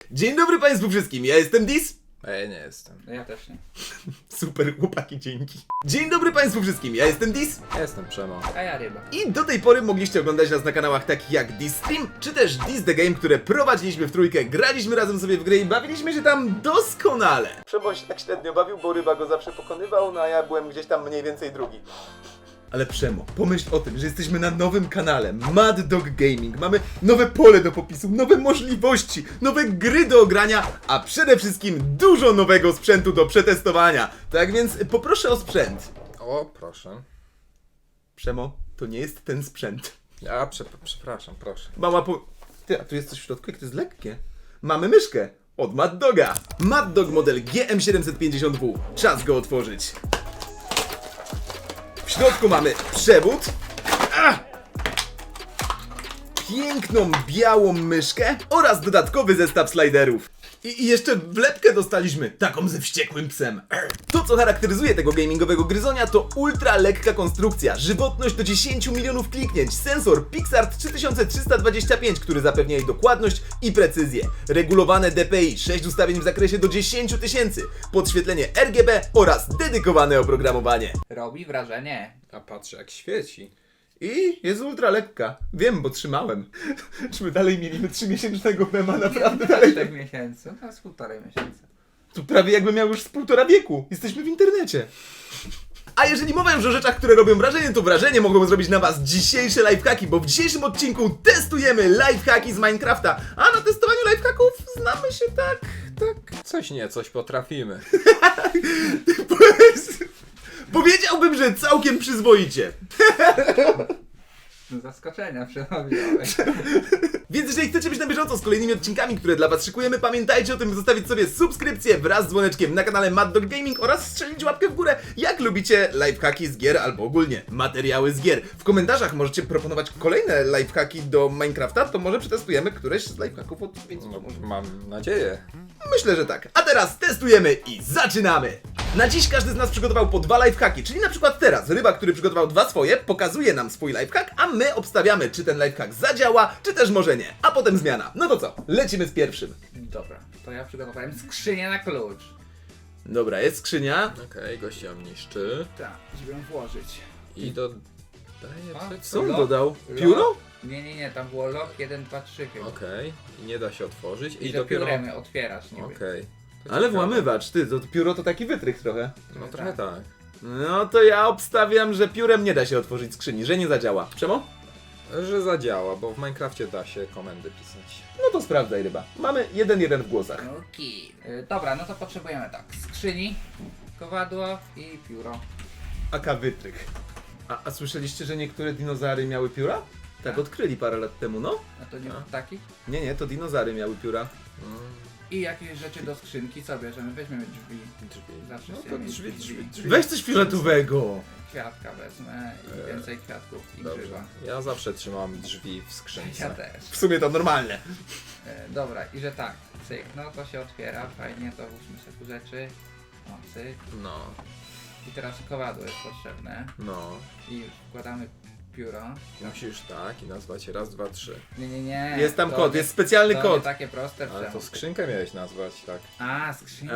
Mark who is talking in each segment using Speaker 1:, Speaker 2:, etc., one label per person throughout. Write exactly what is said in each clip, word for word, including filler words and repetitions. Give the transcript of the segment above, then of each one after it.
Speaker 1: Dzień dobry Państwu wszystkim, ja jestem Dis.
Speaker 2: A ja nie jestem.
Speaker 3: No ja też nie.
Speaker 1: Super, chłopaki, dzięki. Dzień dobry Państwu wszystkim, ja jestem Dis.
Speaker 2: Ja jestem Przemo.
Speaker 3: A ja ryba.
Speaker 1: I do tej pory mogliście oglądać nas na kanałach takich jak Dis Stream, czy też Dis The Game, które prowadziliśmy w trójkę, graliśmy razem sobie w grę i bawiliśmy się tam doskonale. Przemo się tak średnio bawił, bo Ryba go zawsze pokonywał, no a ja byłem gdzieś tam mniej więcej drugi. Ale Przemo, pomyśl o tym, że jesteśmy na nowym kanale Mad Dog Gaming. Mamy nowe pole do popisu, nowe możliwości, nowe gry do ogrania, a przede wszystkim dużo nowego sprzętu do przetestowania. Tak więc poproszę o sprzęt.
Speaker 2: O, proszę.
Speaker 1: Przemo, to nie jest ten sprzęt.
Speaker 2: A, prze, przepraszam, proszę.
Speaker 1: Mama po... Ty, a tu jest coś w środku, jak to jest lekkie. Mamy myszkę od Mad Doga. Mad Dog model G M siedemset pięćdziesiąt W. Czas go otworzyć. W środku mamy przewód. Ach! Piękną białą myszkę oraz dodatkowy zestaw sliderów. I, I jeszcze wlepkę dostaliśmy, taką ze wściekłym psem. To, co charakteryzuje tego gamingowego gryzonia, to ultra lekka konstrukcja, żywotność do dziesięć milionów kliknięć, sensor Pixart trzy tysiące trzysta dwadzieścia pięć, który zapewnia jej dokładność i precyzję, regulowane D P I, sześć ustawień w zakresie do dziesięć tysięcy, podświetlenie R G B oraz dedykowane oprogramowanie.
Speaker 3: Robi wrażenie.
Speaker 2: A patrzę jak świeci.
Speaker 1: I jest ultra lekka. Wiem, bo trzymałem. Czy my dalej mieliśmy trzymiesięcznego mema, naprawdę dalej?
Speaker 3: czterech miesięcy. No z półtorej miesiąca.
Speaker 1: To prawie jakby miał już z półtora wieku. Jesteśmy w internecie. A jeżeli mowa już o rzeczach, które robią wrażenie, to wrażenie mogą zrobić na was dzisiejsze lifehacki, bo w dzisiejszym odcinku testujemy lifehacki z Minecrafta. A na testowaniu lifehacków znamy się tak, tak...
Speaker 2: Coś nie, coś potrafimy.
Speaker 1: Powiedziałbym, że całkiem przyzwoicie.
Speaker 3: No zaskoczenia przemawiałeś.
Speaker 1: Więc jeżeli chcecie być na bieżąco z kolejnymi odcinkami, które dla was szykujemy, pamiętajcie o tym, by zostawić sobie subskrypcję wraz z dzwoneczkiem na kanale Mad Dog Gaming oraz strzelić łapkę w górę, jak lubicie lifehacki z gier albo ogólnie materiały z gier. W komentarzach możecie proponować kolejne lifehacki do Minecrafta, to może przetestujemy któreś z lifehacków od więc
Speaker 2: No, mam nadzieję.
Speaker 1: Myślę, że tak. A teraz testujemy i zaczynamy! Na dziś każdy z nas przygotował po dwa lifehacki, czyli na przykład teraz Ryba, który przygotował dwa swoje, pokazuje nam swój lifehack, a my obstawiamy, czy ten lifehack zadziała, czy też może nie. A potem zmiana. No to co? Lecimy z pierwszym.
Speaker 3: Dobra, to ja przygotowałem skrzynię na klucz.
Speaker 1: Dobra, jest skrzynia.
Speaker 2: Okej, gość ją niszczy.
Speaker 3: Tak, żeby ją włożyć.
Speaker 2: I dodaje
Speaker 3: A,
Speaker 2: coś.
Speaker 1: Co on
Speaker 3: Lock?
Speaker 1: dodał?
Speaker 3: Lock?
Speaker 1: Pióro?
Speaker 3: Nie, nie, nie, tam było lock jeden, dwa, trzy chyba.
Speaker 2: Okej, i nie da się otworzyć.
Speaker 3: I,
Speaker 2: I,
Speaker 3: że
Speaker 2: dopiero...
Speaker 3: piórem otwierasz niby.
Speaker 2: Okej. To
Speaker 1: Ale
Speaker 2: ciekawe.
Speaker 1: włamywacz, ty, to pióro to taki wytrych trochę.
Speaker 2: No trochę tak.
Speaker 1: No to ja obstawiam, że piórem nie da się otworzyć skrzyni, że nie zadziała. Czemu?
Speaker 2: Że zadziała, bo w Minecrafcie da się komendy pisać.
Speaker 1: No to sprawdzaj, Ryba. Mamy jeden jeden w głosach.
Speaker 3: Okej. Y, Dobra, no to potrzebujemy tak. Skrzyni, kowadło i pióro.
Speaker 1: Aka wytrych. A, a słyszeliście, że niektóre dinozaury miały pióra? Tak odkryli parę lat temu, no?
Speaker 3: A to nie
Speaker 2: A.
Speaker 3: taki?
Speaker 1: Nie, nie, to dinozaury miały pióra.
Speaker 2: Mm,
Speaker 3: I jakieś rzeczy do skrzynki co bierzemy? Weźmiemy drzwi.
Speaker 2: drzwi.
Speaker 3: Zawsze
Speaker 2: No
Speaker 3: chciałem
Speaker 2: to
Speaker 3: mieć
Speaker 2: drzwi, drzwi, drzwi.
Speaker 1: Weź coś fioletowego!
Speaker 3: Kwiatka wezmę i
Speaker 2: Eee,
Speaker 3: więcej kwiatków i
Speaker 2: Dobrze.
Speaker 3: grzyba.
Speaker 2: Ja zawsze trzymam drzwi w
Speaker 3: Ja
Speaker 2: skrzynce.
Speaker 3: też.
Speaker 1: W sumie to normalne.
Speaker 3: E, dobra, i że tak, cyk, no to się otwiera, fajnie, to włóżmy sobie tu rzeczy. O, cyk.
Speaker 2: No,
Speaker 3: I teraz kowadło jest potrzebne.
Speaker 2: no.
Speaker 3: I wkładamy pióro.
Speaker 2: Musisz tak i nazwać raz, dwa, trzy.
Speaker 3: Nie, nie, nie.
Speaker 1: Jest tam
Speaker 3: to
Speaker 1: kod,
Speaker 3: nie-
Speaker 1: jest specjalny
Speaker 3: to
Speaker 1: kod.
Speaker 3: Nie takie proste.
Speaker 2: Ale to
Speaker 3: Przemo.
Speaker 2: skrzynkę miałeś nazwać, tak.
Speaker 3: A, skrzynka.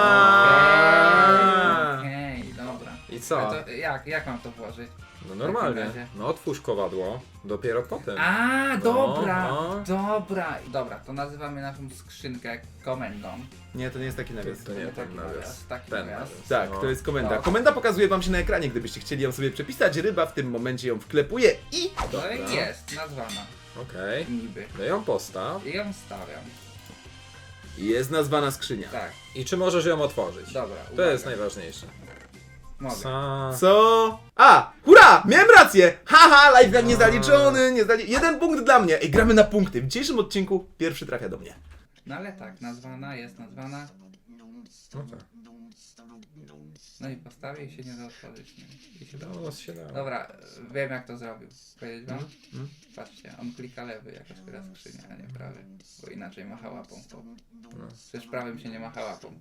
Speaker 1: Aaaa.
Speaker 3: Okej, okay, dobra.
Speaker 2: I co?
Speaker 3: Ale to jak, jak mam to włożyć?
Speaker 2: No
Speaker 3: w
Speaker 2: normalnie.
Speaker 3: takim razie?
Speaker 2: No otwórz kowadło, dopiero potem.
Speaker 3: A, dobra,
Speaker 2: no.
Speaker 3: dobra. Dobra, to nazywamy naszą skrzynkę komendą.
Speaker 1: Nie, to nie jest taki nawias.
Speaker 2: To nie
Speaker 3: taki
Speaker 2: ten nawias.
Speaker 3: nawias, taki
Speaker 2: Ten
Speaker 3: nawias.
Speaker 2: nawias.
Speaker 1: Tak,
Speaker 2: no.
Speaker 1: to jest komenda.
Speaker 3: No.
Speaker 1: Komenda pokazuje wam się na ekranie, gdybyście chcieli ją sobie przepisać. Ryba w tym momencie ją wklepuje i...
Speaker 3: To
Speaker 2: Dobra.
Speaker 3: jest nazwana
Speaker 2: Okej.
Speaker 3: niby.
Speaker 2: No ją postaw.
Speaker 3: I ją stawiam.
Speaker 1: Jest nazwana skrzynia.
Speaker 3: Tak,
Speaker 2: I czy możesz ją otworzyć?
Speaker 3: dobra.
Speaker 2: To
Speaker 3: uwaga.
Speaker 2: jest najważniejsze.
Speaker 3: Mogę.
Speaker 2: Co?
Speaker 1: Co? A! Hurra! Miałem rację! Haha! Lifehack niezaliczony! Nie zali... Jeden punkt dla mnie! Ej, gramy na punkty. W dzisiejszym odcinku pierwszy trafia do mnie.
Speaker 3: No ale tak, nazwana jest nazwana.
Speaker 2: No tak.
Speaker 3: No i postawię i się nie da otworzyć. Nie? I się da.
Speaker 2: No, się dało.
Speaker 3: Dobra, wiem jak to zrobił. Powiedzieć wam?
Speaker 1: Mm.
Speaker 3: Patrzcie, on klika lewy jak otwiera skrzynię, a nie prawy. Bo inaczej macha łapą.
Speaker 2: No.
Speaker 3: Przecież prawym się nie macha łapą.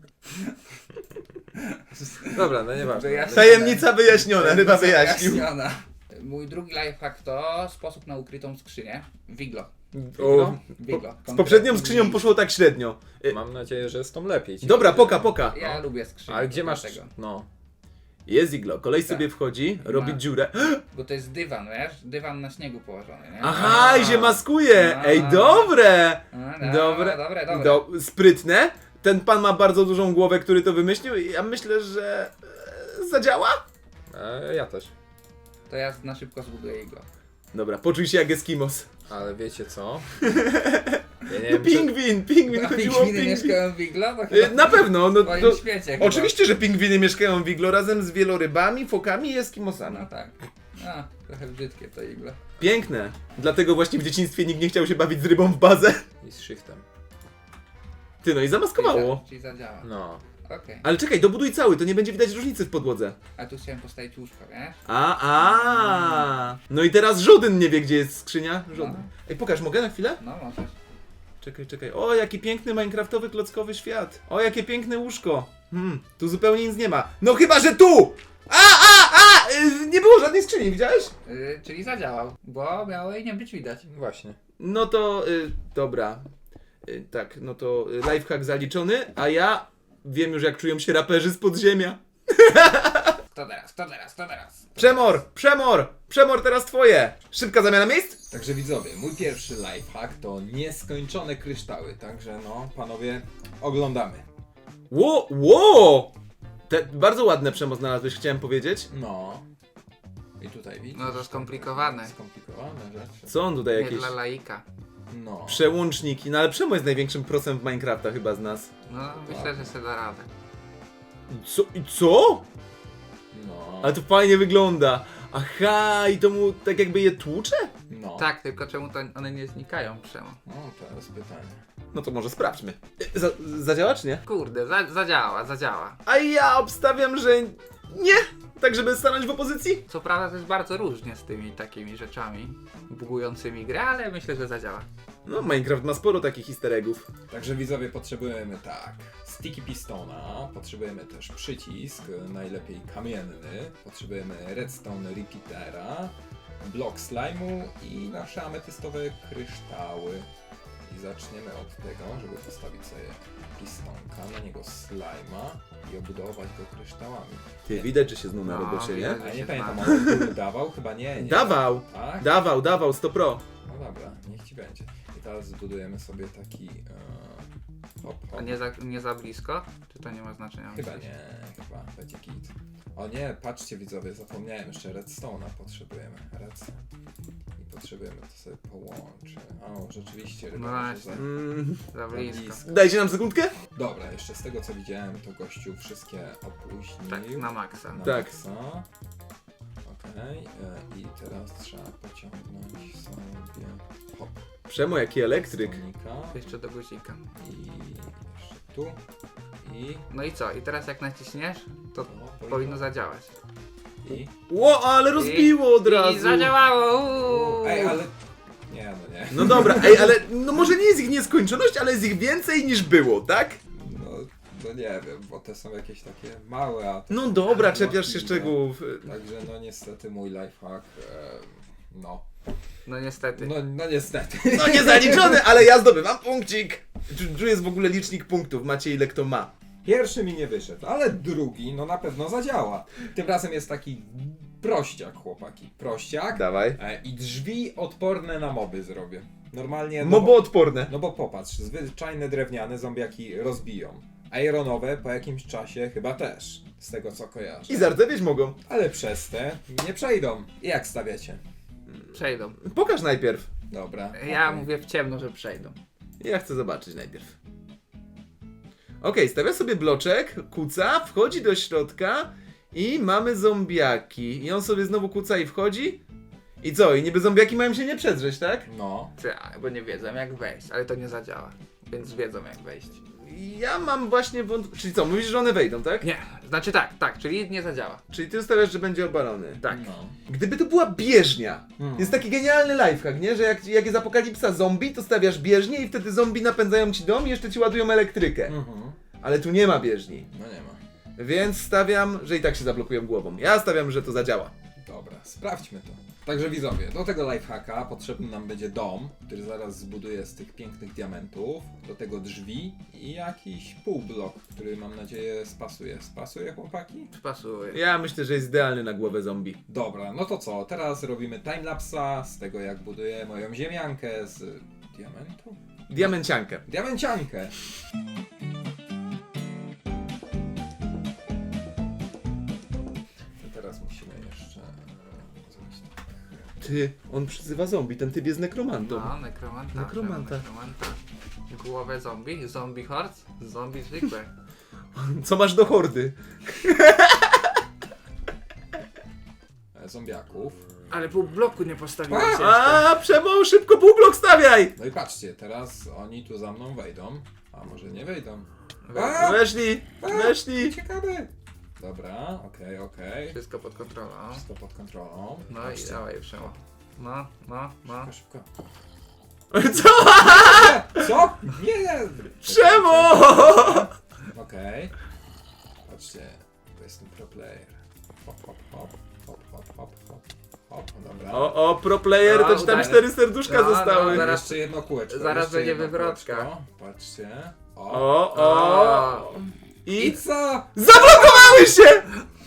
Speaker 2: Dobra, no nieważne.
Speaker 3: Wyjaśnię.
Speaker 1: Tajemnica wyjaśniona, Ryba wyjaśnił.
Speaker 3: Wyjaśniona. Mój drugi lifehack to sposób na ukrytą skrzynię. Wiglo.
Speaker 1: O,
Speaker 3: Bigo.
Speaker 1: z poprzednią skrzynią poszło tak średnio. Y,
Speaker 2: Mam nadzieję, że z tą lepiej. ci
Speaker 1: Dobra,
Speaker 2: będzie.
Speaker 1: poka, poka.
Speaker 3: Ja lubię skrzynię.
Speaker 2: Ale gdzie masz...
Speaker 3: Dlatego.
Speaker 2: No.
Speaker 1: Jest iglo, kolej
Speaker 3: Tak.
Speaker 1: sobie wchodzi, robi
Speaker 3: Ma.
Speaker 1: dziurę.
Speaker 3: Bo to jest dywan, wiesz? Dywan na śniegu położony, nie?
Speaker 1: Aha, i się maskuje!
Speaker 3: A.
Speaker 1: Ej, dobre!
Speaker 3: A, dobra,
Speaker 1: Dobre,
Speaker 3: dobre, dobre.
Speaker 1: Do, sprytne. Ten pan ma bardzo dużą głowę, który to wymyślił i ja myślę, że e, zadziała?
Speaker 2: E, ja też.
Speaker 3: To ja na szybko zbuduję iglo.
Speaker 1: Dobra, poczuj się jak Eskimos.
Speaker 2: Ale wiecie co? Ja nie
Speaker 1: No
Speaker 2: wiem, czy...
Speaker 1: pingwin, pingwin,
Speaker 3: A
Speaker 1: chodziło o
Speaker 3: pingwiny
Speaker 1: pingwin.
Speaker 3: mieszkają w iglo? To
Speaker 1: E,
Speaker 3: chyba
Speaker 1: Na pewno, no
Speaker 3: w twoim
Speaker 1: to,
Speaker 3: świecie chyba.
Speaker 1: oczywiście, że pingwiny mieszkają w iglo razem z wielorybami, fokami i Eskimosami.
Speaker 3: No tak. A, trochę brzydkie to iglo.
Speaker 1: Piękne. Dlatego właśnie w dzieciństwie nikt nie chciał się bawić z rybą w bazę.
Speaker 2: I z shiftem.
Speaker 1: Ty, no i zamaskowało.
Speaker 3: Czyli, za, czyli zadziała.
Speaker 2: No.
Speaker 3: Okej.
Speaker 1: Ale czekaj, dobuduj cały, to nie będzie widać różnicy w podłodze.
Speaker 3: A tu chciałem postawić łóżko, wiesz?
Speaker 1: A, a. No i teraz żaden nie wie, gdzie jest skrzynia. Żaden.
Speaker 3: No.
Speaker 1: Ej, pokaż, mogę na chwilę?
Speaker 3: No możesz.
Speaker 1: Czekaj, czekaj. O, jaki piękny minecraftowy klockowy świat. O, jakie piękne łóżko. Hmm, tu zupełnie nic nie ma. No chyba, że tu! A, a, a! Y, nie było żadnej skrzyni, widziałeś?
Speaker 3: Yy, czyli zadziałał, bo miało jej nie być widać.
Speaker 2: Właśnie.
Speaker 1: No to, y, dobra. Y, tak, no to y, lifehack zaliczony, a ja wiem już, jak czują się raperzy z podziemia.
Speaker 3: Kto teraz, kto teraz, kto teraz?
Speaker 1: Przemor, przemor, przemor teraz twoje. Szybka zamiana miejsc?
Speaker 2: Także widzowie, mój pierwszy lifehack to nieskończone kryształy. Także no, panowie, oglądamy.
Speaker 1: Ło, ło! Te, bardzo ładne przemo znalazłeś, chciałem powiedzieć.
Speaker 2: No. I tutaj widzisz?
Speaker 3: No to skomplikowane.
Speaker 2: Skomplikowane rzeczy.
Speaker 1: Co on tutaj
Speaker 3: Nie
Speaker 1: jakieś...
Speaker 3: dla laika.
Speaker 2: No.
Speaker 1: Przełączniki, no ale Przemo jest największym prosem w Minecrafta chyba z nas.
Speaker 3: No myślę, że sobie da radę.
Speaker 1: Co? I co?
Speaker 2: No.
Speaker 1: Ale to fajnie wygląda. Aha, i to mu tak jakby je tłucze?
Speaker 2: No.
Speaker 3: Tak, tylko czemu to one nie znikają przemo?
Speaker 2: No, to jest pytanie.
Speaker 1: No to może sprawdźmy. Za, zadziała czy nie?
Speaker 3: Kurde, za, zadziała, zadziała.
Speaker 1: A ja obstawiam, że nie. Tak, żeby stanąć w opozycji?
Speaker 3: Co prawda to jest bardzo różnie z tymi takimi rzeczami bugującymi grę, ale myślę, że zadziała.
Speaker 1: No, Minecraft ma sporo takich easter eggów.
Speaker 2: Także widzowie, potrzebujemy tak, sticky pistona, potrzebujemy też przycisk, najlepiej kamienny, potrzebujemy redstone repeatera, blok slime'u i nasze ametystowe kryształy. I zaczniemy od tego, żeby postawić sobie pistonka, na niego slime'a i obudować go kryształami.
Speaker 1: Ty, widać, że się znał na
Speaker 3: No,
Speaker 1: robocie, nie?
Speaker 3: widać.
Speaker 2: A
Speaker 3: się
Speaker 2: nie pamiętam,
Speaker 3: zna.
Speaker 2: on dawał? Chyba nie, nie.
Speaker 1: Dawał,
Speaker 2: Tak?
Speaker 1: dawał, dawał, sto pro.
Speaker 2: No dobra, niech ci będzie. I teraz zbudujemy sobie taki e, hop,
Speaker 3: A
Speaker 2: hop.
Speaker 3: nie za, nie za blisko? Czy to nie ma znaczenia?
Speaker 2: Chyba
Speaker 3: myślisz?
Speaker 2: nie, chyba będzie git. O nie, patrzcie widzowie, zapomniałem, jeszcze redstone'a potrzebujemy. Redstone. I potrzebujemy to sobie połączyć. O, rzeczywiście, ryba
Speaker 3: No
Speaker 2: może
Speaker 3: właśnie.
Speaker 2: za-
Speaker 1: Mm,
Speaker 3: Za
Speaker 2: za
Speaker 3: blisko.
Speaker 1: dajcie nam sekundkę?
Speaker 2: Dobra, jeszcze z tego co widziałem, to gościu wszystkie opóźnił.
Speaker 3: Tak, na maksa.
Speaker 2: Na
Speaker 1: Tak.
Speaker 2: maksa. Okej, e, i teraz trzeba pociągnąć sobie hop,
Speaker 1: Przemo, jaki elektryk.
Speaker 2: stonika.
Speaker 3: Jeszcze do guzika.
Speaker 2: I jeszcze tu. I
Speaker 3: No i co? I teraz jak naciśniesz, to
Speaker 2: to
Speaker 3: powinno zadziałać.
Speaker 2: I...
Speaker 1: Ło, ale rozbiło od razu.
Speaker 3: I zadziałało! uuu.
Speaker 2: Ej, ale... Nie, no nie.
Speaker 1: No dobra, ej, ale no może nie jest ich nieskończoność, ale jest ich więcej niż było, tak?
Speaker 2: No, no nie wiem, bo te są jakieś takie małe, a... te
Speaker 1: No
Speaker 2: są
Speaker 1: dobra,
Speaker 2: takie
Speaker 1: czepiasz się
Speaker 2: możliwe.
Speaker 1: szczegółów.
Speaker 2: Także no niestety mój lifehack, e, no.
Speaker 3: No niestety.
Speaker 2: no. No niestety.
Speaker 1: No nie zaliczony, ale ja zdobywam punkcik. Tu jest w ogóle licznik punktów, macie ile kto ma.
Speaker 2: Pierwszy mi nie wyszedł, ale drugi no na pewno zadziała. Tym razem jest taki prościak, chłopaki. Prościak.
Speaker 1: Dawaj.
Speaker 2: E, I drzwi odporne na moby zrobię. Normalnie... No
Speaker 1: Moboodporne.
Speaker 2: No bo popatrz, zwyczajne drewniane zombiaki rozbiją. Ironowe po jakimś czasie chyba też, z tego co kojarzę.
Speaker 1: I zardzewieć mogą.
Speaker 2: Ale przez te nie przejdą. Jak stawiacie?
Speaker 3: Przejdą.
Speaker 1: Pokaż najpierw.
Speaker 2: Dobra.
Speaker 3: Ja
Speaker 2: okej.
Speaker 3: mówię w ciemno, że przejdą.
Speaker 1: Ja chcę zobaczyć najpierw. Okej, stawia sobie bloczek, kuca, wchodzi do środka i mamy zombiaki. I on sobie znowu kuca i wchodzi. I co? I niby zombiaki mają się nie przedrzeć, tak?
Speaker 2: No.
Speaker 3: Tak, bo nie wiedzą jak wejść, ale to nie zadziała. Więc wiedzą jak wejść.
Speaker 1: Ja mam właśnie wątpliwość. Czyli co, mówisz, że one wejdą, tak?
Speaker 3: Nie, znaczy tak, tak, czyli nie zadziała.
Speaker 1: Czyli ty ustawiasz, że będzie obalony.
Speaker 3: Tak.
Speaker 2: No.
Speaker 1: Gdyby to była bieżnia.
Speaker 2: Hmm.
Speaker 1: Jest taki genialny lifehack, nie? Że jak, jak jest apokalipsa zombie, to stawiasz bieżnię i wtedy zombie napędzają ci dom i jeszcze ci ładują elektrykę.
Speaker 2: Mhm.
Speaker 1: Ale tu nie ma bieżni.
Speaker 2: No nie ma.
Speaker 1: Więc stawiam, że i tak się zablokują głową. Ja stawiam, że to zadziała.
Speaker 2: Dobra, sprawdźmy to. Także widzowie, do tego lifehacka potrzebny nam będzie dom, który zaraz zbuduję z tych pięknych diamentów. Do tego drzwi i jakiś półblok, który mam nadzieję spasuje. Spasuje, chłopaki?
Speaker 3: Pasuje.
Speaker 1: Ja myślę, że jest idealny na głowę zombie.
Speaker 2: Dobra, no to co? Teraz robimy timelapsa z tego, jak buduję moją ziemiankę z diamentu?
Speaker 1: Diamenciankę.
Speaker 2: Diamenciankę! I teraz musimy jeszcze e, zrobić tak.
Speaker 1: Ty, on przyzywa zombie, ten typ jest nekromantą.
Speaker 3: No, nekromanta.
Speaker 1: Nekromanta.
Speaker 3: nekromanta. Głowę zombie, zombie horse, zombie zwykłe.
Speaker 1: Co masz do hordy?
Speaker 2: E, Zombiaków.
Speaker 3: Ale pół bloku nie postawiłeś
Speaker 2: A!
Speaker 3: jeszcze.
Speaker 1: A, Przemo, szybko półblok stawiaj!
Speaker 2: No i patrzcie, teraz oni tu za mną wejdą, a może nie wejdą.
Speaker 3: We-
Speaker 2: A!
Speaker 1: Weszli, weszli.
Speaker 2: Ciekawe! Dobra, okej, okej.
Speaker 3: Wszystko pod kontrolą.
Speaker 2: Wszystko pod kontrolą.
Speaker 3: No
Speaker 2: Patrzcie.
Speaker 3: i dawaj Przemo. No, no, no.
Speaker 2: Szybko, szybko.
Speaker 1: Co?
Speaker 2: Co? Nie!
Speaker 1: Przemo!
Speaker 2: Okej. Patrzcie, to jest ten pro player. Hop, hop, hop, hop, hop, hop, hop, hop, dobra.
Speaker 1: O, o, pro player, to ci tam
Speaker 3: No,
Speaker 1: cztery serduszka
Speaker 3: no,
Speaker 1: zostały.
Speaker 3: no, zaraz-
Speaker 2: Jeszcze jedno kółeczko.
Speaker 3: zaraz
Speaker 2: jeszcze
Speaker 3: będzie
Speaker 2: jedno
Speaker 3: wywrotka.
Speaker 2: kółeczko. Patrzcie. O.
Speaker 1: O, o.
Speaker 2: I
Speaker 1: I
Speaker 2: co?
Speaker 1: zablokowały się!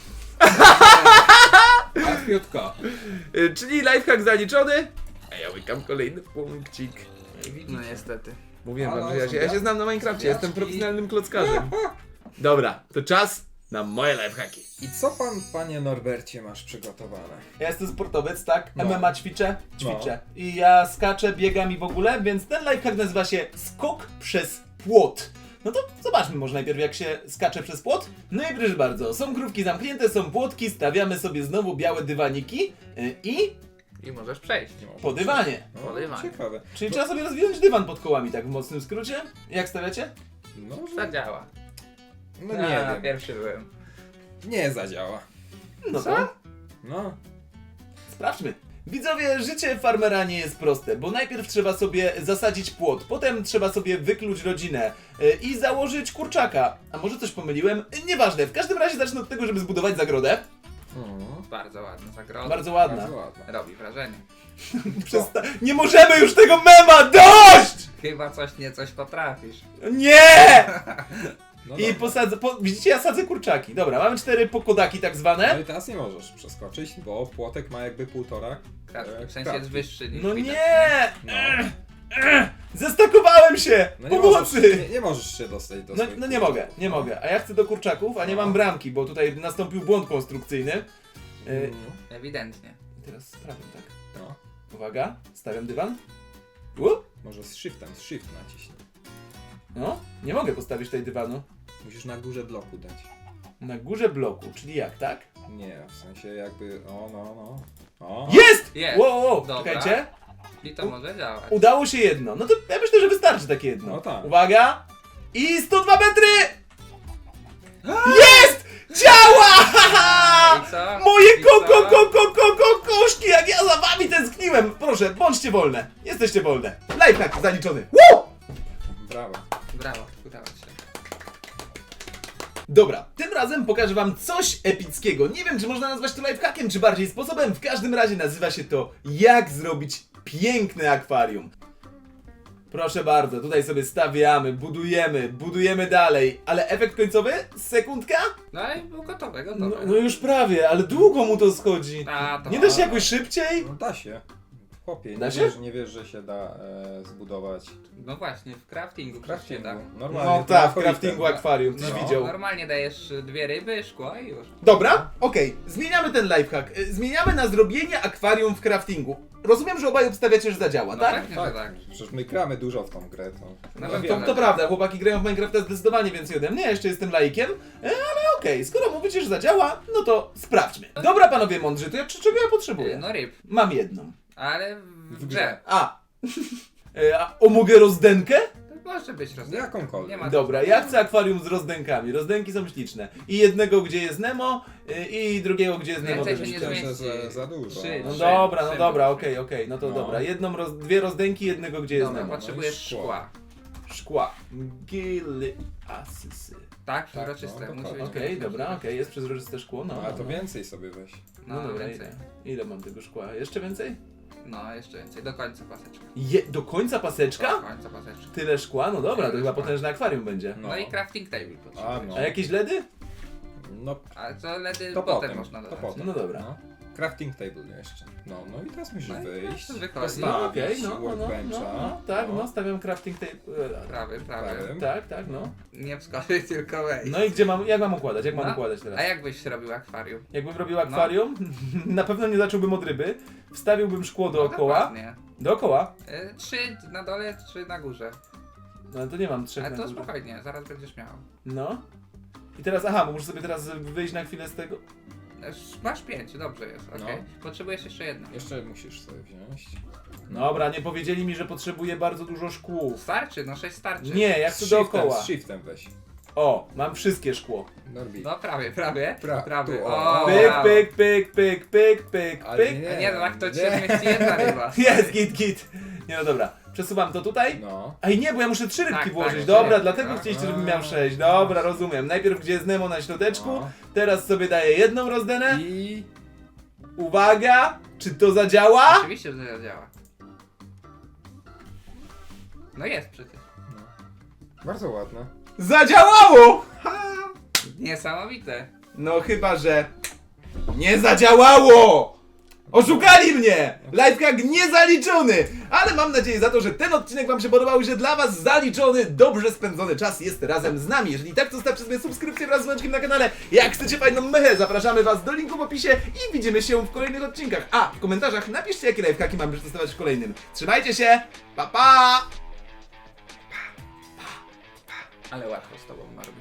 Speaker 2: Łatwiutko.
Speaker 1: Y, Czyli lifehack zaliczony. A ja łykam kolejny punkcik.
Speaker 3: No niestety.
Speaker 1: Mówiłem
Speaker 2: Halo,
Speaker 1: wam, że ja się, ja się znam na Minecrafcie, jestem
Speaker 2: zombiaczki.
Speaker 1: profesjonalnym klockarzem. Dobra, to czas na moje lifehacki.
Speaker 2: I co pan, panie Norbercie, masz przygotowane?
Speaker 1: Ja jestem sportowiec, tak?
Speaker 2: No.
Speaker 1: M M A ćwiczę? Ćwiczę. I ja skaczę, biegam i w ogóle, więc ten lifehack nazywa się skok przez płot. No to zobaczmy może najpierw jak się skacze przez płot. No i proszę bardzo, są krówki zamknięte, są płotki, stawiamy sobie znowu białe dywaniki yy, i
Speaker 3: I możesz przejść.
Speaker 1: po dywanie.
Speaker 2: No,
Speaker 3: Po dywanie.
Speaker 2: ciekawe.
Speaker 1: Czyli trzeba sobie rozwinąć dywan pod kołami, tak w mocnym skrócie. Jak stawiacie?
Speaker 2: No, że...
Speaker 3: Zadziała.
Speaker 2: no nie
Speaker 3: A,
Speaker 2: wiem.
Speaker 3: Pierwszy byłem.
Speaker 2: Nie zadziała.
Speaker 1: No
Speaker 3: Co?
Speaker 1: to
Speaker 2: No.
Speaker 1: sprawdźmy. Widzowie, życie farmera nie jest proste, bo najpierw trzeba sobie zasadzić płot, potem trzeba sobie wykluć rodzinę yy, i założyć kurczaka. A może coś pomyliłem? Yy, Nieważne, w każdym razie zacznę od tego, żeby zbudować zagrodę.
Speaker 2: Mhm.
Speaker 3: Bardzo ładna zagroda.
Speaker 1: Bardzo ładna.
Speaker 2: Bardzo ładna.
Speaker 3: Robi wrażenie.
Speaker 1: Przesta- nie możemy już tego mema dość!
Speaker 3: Chyba coś nie coś potrafisz.
Speaker 1: Nie!
Speaker 2: No
Speaker 1: I
Speaker 2: dobra.
Speaker 1: posadzę, po, widzicie, ja sadzę kurczaki. Dobra, mamy cztery pokodaki tak
Speaker 2: No
Speaker 1: zwane.
Speaker 2: i teraz nie możesz przeskoczyć, bo płotek ma jakby półtora.
Speaker 3: Kratki.
Speaker 2: E,
Speaker 3: W sensie
Speaker 2: kratki.
Speaker 3: jest wyższy niż
Speaker 1: No
Speaker 3: widać.
Speaker 1: nie!
Speaker 2: No.
Speaker 1: Zestakowałem się!
Speaker 2: No nie
Speaker 1: Pomocy!
Speaker 2: możesz, nie, nie możesz się dostać do
Speaker 1: No,
Speaker 2: swoich
Speaker 1: no nie
Speaker 2: kurczaków.
Speaker 1: mogę, nie mogę. A ja chcę do kurczaków, a nie
Speaker 2: No.
Speaker 1: mam bramki, bo tutaj nastąpił błąd konstrukcyjny. Y,
Speaker 2: Mm,
Speaker 3: Ewidentnie.
Speaker 1: I teraz sprawiam tak.
Speaker 2: No.
Speaker 1: Uwaga, stawiam dywan. U?
Speaker 2: Może z shiftem, z shift naciśnij.
Speaker 1: No, nie mogę postawić tutaj dywanu.
Speaker 2: Musisz na górze bloku dać.
Speaker 1: Na górze bloku, czyli jak, tak?
Speaker 2: Nie, w sensie jakby. O, no, no. O.
Speaker 1: Jest!
Speaker 3: Jest!
Speaker 1: Wow, wow,
Speaker 3: Dobra.
Speaker 1: czekajcie.
Speaker 3: I to może działać.
Speaker 1: Udało się jedno. No to ja myślę, że wystarczy takie jedno.
Speaker 2: No tak.
Speaker 1: Uwaga! I sto dwa metry! Jest! Działa!
Speaker 3: I co?
Speaker 1: Moje
Speaker 3: I
Speaker 1: ko, ko,
Speaker 3: co?
Speaker 1: ko, ko, ko, ko, koszki, jak ja za wami tęskniłem! Proszę, bądźcie wolne. Jesteście wolne. Lifehack zaliczony. Woo!
Speaker 2: Brawo.
Speaker 3: Brawo, udało się.
Speaker 1: Dobra, tym razem pokażę wam coś epickiego. Nie wiem, czy można nazwać to lifehackiem, czy bardziej sposobem. W każdym razie nazywa się to jak zrobić piękne akwarium. Proszę bardzo, tutaj sobie stawiamy, budujemy, budujemy dalej. Ale efekt końcowy? Sekundka?
Speaker 3: No i było gotowe,
Speaker 1: No,
Speaker 3: gotowe.
Speaker 1: no już prawie, ale długo mu to schodzi.
Speaker 3: A, to
Speaker 1: Nie da się jakoś szybciej?
Speaker 2: No da się. Chłopie,
Speaker 1: Da
Speaker 2: nie,
Speaker 1: się?
Speaker 2: Wiesz, nie wiesz, że się da e, zbudować
Speaker 3: No właśnie, w craftingu.
Speaker 2: w
Speaker 3: przecież się
Speaker 2: craftingu.
Speaker 3: da.
Speaker 2: Normalnie.
Speaker 1: No
Speaker 2: to
Speaker 1: tak, w
Speaker 2: alfabetem.
Speaker 1: craftingu akwarium, tyś
Speaker 2: No.
Speaker 1: widział.
Speaker 3: Normalnie dajesz y, dwie ryby, szkło i już.
Speaker 1: Dobra, okej, zmieniamy ten lifehack. Y, Zmieniamy na zrobienie akwarium w craftingu. Rozumiem, że obaj obstawiacie, że zadziała,
Speaker 3: No
Speaker 1: tak?
Speaker 3: pewnie, że
Speaker 2: Tak,
Speaker 3: tak.
Speaker 2: przecież my gramy dużo w tą grę. To,
Speaker 3: No
Speaker 2: no,
Speaker 3: to-
Speaker 2: wiemy.
Speaker 1: To, to prawda, chłopaki grają w Minecrafta zdecydowanie więcej ode mnie, ja jeszcze jestem laikiem, e, ale okej, skoro mówicie, że zadziała, no to sprawdźmy. Dobra panowie mądrzy, to ja, czy- czego ja
Speaker 3: Y,
Speaker 1: potrzebuję?
Speaker 3: No ryb,
Speaker 1: Mam jedną.
Speaker 3: ale w,
Speaker 2: W
Speaker 3: w
Speaker 2: grze.
Speaker 3: grze.
Speaker 1: A, e, a o, mogę rozdenkę?
Speaker 3: To może być rozdanie.
Speaker 2: Jakąkolwiek.
Speaker 3: Nie ma
Speaker 1: Dobra, ja chcę akwarium z rozdękami, rozdenki są śliczne. I jednego, gdzie jest Nemo, e, i drugiego, gdzie jest Nemo
Speaker 3: Więcej
Speaker 1: też
Speaker 3: się nie
Speaker 1: śliczne.
Speaker 3: zmieści.
Speaker 2: Myślę, że za dużo.
Speaker 3: Trzy,
Speaker 1: No
Speaker 3: trzy.
Speaker 1: dobra, no
Speaker 3: trzy
Speaker 1: dobra,
Speaker 3: może.
Speaker 1: okej, okej, no to
Speaker 2: No.
Speaker 1: dobra. Jedną, roz, dwie rozdęki, jednego, gdzie jest
Speaker 3: Dobra,
Speaker 1: Nemo.
Speaker 3: potrzebujesz
Speaker 2: szkło.
Speaker 3: szkła.
Speaker 1: Szkła. szkła. Gily asysy.
Speaker 3: Tak,
Speaker 2: Tak,
Speaker 3: przezroczyste.
Speaker 2: no,
Speaker 3: musi
Speaker 2: dokładnie.
Speaker 3: być
Speaker 1: Okej,
Speaker 3: przezroczyste.
Speaker 1: dobra, okej, jest przezroczyste szkło, no.
Speaker 2: No, a to
Speaker 1: no.
Speaker 2: więcej sobie weź.
Speaker 1: No,
Speaker 3: No,
Speaker 1: dobra,
Speaker 3: więcej.
Speaker 1: ile, ile mam tego szkła? Jeszcze więcej?
Speaker 3: No, jeszcze więcej. Do końca paseczka.
Speaker 1: Je, do końca
Speaker 3: Do
Speaker 1: paseczka?
Speaker 3: końca paseczka.
Speaker 1: Tyle szkła? No dobra, to
Speaker 3: Tyle
Speaker 1: chyba
Speaker 3: szkła.
Speaker 1: potężne akwarium będzie.
Speaker 3: No,
Speaker 2: No.
Speaker 3: i crafting table potrzebujesz.
Speaker 2: no.
Speaker 1: A jakieś ledy?
Speaker 2: No,
Speaker 3: A co ledy
Speaker 2: to
Speaker 3: potem,
Speaker 2: potem,
Speaker 3: można
Speaker 2: to
Speaker 3: dodać.
Speaker 2: potem.
Speaker 1: No dobra.
Speaker 2: No. Crafting table jeszcze. No, no i teraz musisz
Speaker 3: No i
Speaker 2: wyjść.
Speaker 3: teraz wychodzi.
Speaker 2: Postawić
Speaker 1: No okej, no, no, no,
Speaker 2: workbencha.
Speaker 1: no, no, tak, no, stawiam crafting table. e,
Speaker 3: Prawy, prawy.
Speaker 2: Prawym.
Speaker 1: Tak, tak, no.
Speaker 3: Nie wskoczyć, tylko wejść.
Speaker 1: No i gdzie mam, jak mam układać? Jak mam
Speaker 3: No.
Speaker 1: układać teraz?
Speaker 3: A jak byś robił akwarium?
Speaker 1: Jakbym robił akwarium, na pewno nie zacząłbym od ryby, wstawiłbym szkło dookoła,
Speaker 3: No, dokładnie.
Speaker 1: dookoła,
Speaker 3: Y, Trzy na dole, trzy na górze.
Speaker 1: no to nie mam trzech
Speaker 3: Ale
Speaker 1: na
Speaker 3: to
Speaker 1: górze.
Speaker 3: spokojnie, zaraz będziesz miał.
Speaker 1: No. I teraz, aha, bo muszę sobie teraz wyjść na chwilę z tego.
Speaker 3: Y, Masz pięć, dobrze jest, okej.
Speaker 2: No.
Speaker 3: Potrzebujesz jeszcze jedno.
Speaker 2: Jeszcze musisz sobie wziąć.
Speaker 1: Dobra, nie powiedzieli mi, że potrzebuję bardzo dużo szkłów.
Speaker 3: Starczy, no sześć starczy.
Speaker 1: Nie, ja
Speaker 2: Z
Speaker 1: chcę
Speaker 2: shiftem,
Speaker 1: dookoła.
Speaker 2: Z shiftem weź.
Speaker 1: O, mam wszystkie szkło.
Speaker 2: Norbi.
Speaker 3: No prawie, prawie.
Speaker 2: Pra-
Speaker 3: prawie.
Speaker 2: tu,
Speaker 3: O,
Speaker 2: o.
Speaker 1: Pyk,
Speaker 3: brawo.
Speaker 1: pyk, pyk, pyk, pyk, pyk,
Speaker 2: Ale
Speaker 1: pyk.
Speaker 3: A nie, no tak to ci
Speaker 2: nie.
Speaker 3: się zmieści jedna ryba.
Speaker 1: Jest, git, git. Nie no dobra, przesuwam to tutaj.
Speaker 2: No.
Speaker 1: Ej nie, bo ja muszę trzy rybki
Speaker 3: Tak, tak,
Speaker 1: włożyć.
Speaker 3: trzy
Speaker 1: Dobra,
Speaker 3: rybki,
Speaker 1: dlatego
Speaker 3: tak.
Speaker 1: chcieliście, żebym miał sześć. Dobra, rozumiem. Najpierw gdzie jest Nemo na środeczku,
Speaker 2: No.
Speaker 1: teraz sobie daję jedną rozdenę.
Speaker 2: I...
Speaker 1: Uwaga, czy to zadziała?
Speaker 3: Oczywiście, że to działa. No jest przecież.
Speaker 2: No. Bardzo ładne.
Speaker 1: Zadziałało!
Speaker 3: Niesamowite.
Speaker 1: No chyba, że nie zadziałało! Oszukali mnie! Lifehack niezaliczony! Ale mam nadzieję za to, że ten odcinek wam się podobał i że dla was zaliczony, dobrze spędzony czas jest razem z nami. Jeżeli tak, to zostawcie sobie subskrypcję wraz z dzwoneczkiem na kanale. Jak chcecie fajną mechę, zapraszamy was do linku w opisie i widzimy się w kolejnych odcinkach. A, w komentarzach napiszcie, jakie lifehacki mamy przetestować w kolejnym. Trzymajcie się, pa pa!
Speaker 3: Ale łatwo z tobą ma robić.